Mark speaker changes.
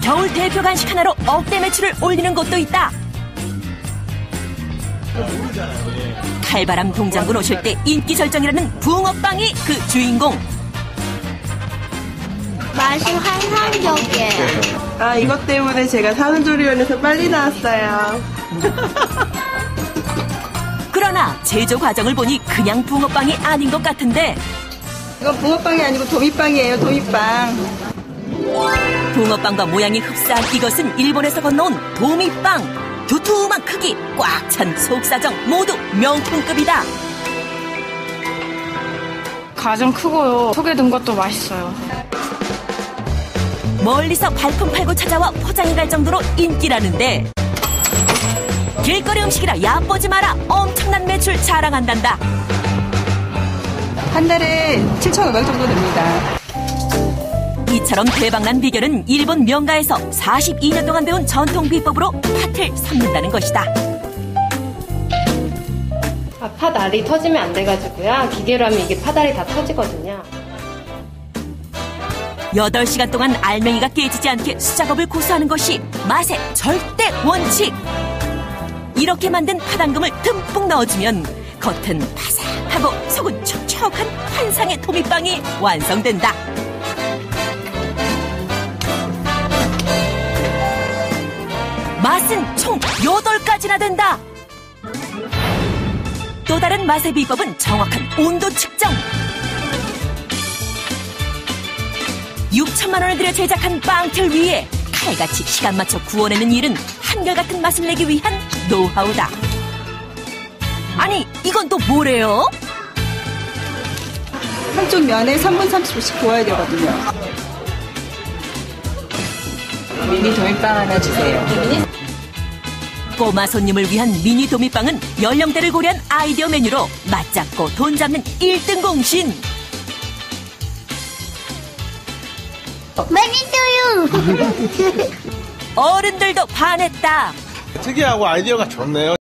Speaker 1: 겨울 대표 간식 하나로 억대 매출을 올리는 곳도 있다. 칼바람 동장군 오실 때 인기 절정이라는 붕어빵이 그 주인공.
Speaker 2: 맛이 환상적이에요.
Speaker 3: 아, 이것 때문에 제가 산후조리원에서 빨리 나왔어요.
Speaker 1: 그러나 제조 과정을 보니 그냥 붕어빵이 아닌 것 같은데.
Speaker 3: 이건 붕어빵이 아니고 도미빵이에요, 도미빵.
Speaker 1: 붕어빵과 모양이 흡사한 이것은 일본에서 건너온 도미빵. 두툼한 크기, 꽉 찬 속사정 모두 명품급이다.
Speaker 4: 가장 크고요. 속에 든 것도 맛있어요.
Speaker 1: 멀리서 발품 팔고 찾아와 포장해갈 정도로 인기라는데 길거리 음식이라 얕보지 마라. 엄청난 매출 자랑한단다.
Speaker 3: 한 달에 7,500 정도 됩니다.
Speaker 1: 이처럼 대박난 비결은 일본 명가에서 42년 동안 배운 전통 비법으로 팥을 삶는다는 것이다.
Speaker 5: 팥알이 터지면 안 돼가지고요. 기계로 하면 이게 팥알이 다 터지거든요.
Speaker 1: 8시간 동안 알맹이가 깨지지 않게 수작업을 고수하는 것이 맛의 절대 원칙. 이렇게 만든 팥앙금을 듬뿍 넣어주면 겉은 바삭하고 속은 촉촉한 환상의 도미빵이 완성된다. 맛은 총 8가지나 된다. 또 다른 맛의 비법은 정확한 온도 측정. 6천만 원을 들여 제작한 빵틀 위에 칼같이 시간 맞춰 구워내는 일은 한결같은 맛을 내기 위한 노하우다. 아니, 이건 또 뭐래요?
Speaker 3: 한쪽 면에 3분 30분씩 구워야 되거든요. 미니 도미빵 하나 주세요.
Speaker 1: 꼬마 손님을 위한 미니 도미빵은 연령대를 고려한 아이디어 메뉴로 맛 잡고 돈 잡는 1등 공신.
Speaker 2: 매니또유.
Speaker 1: 어른들도 반했다.
Speaker 6: 특이하고 아이디어가 좋네요.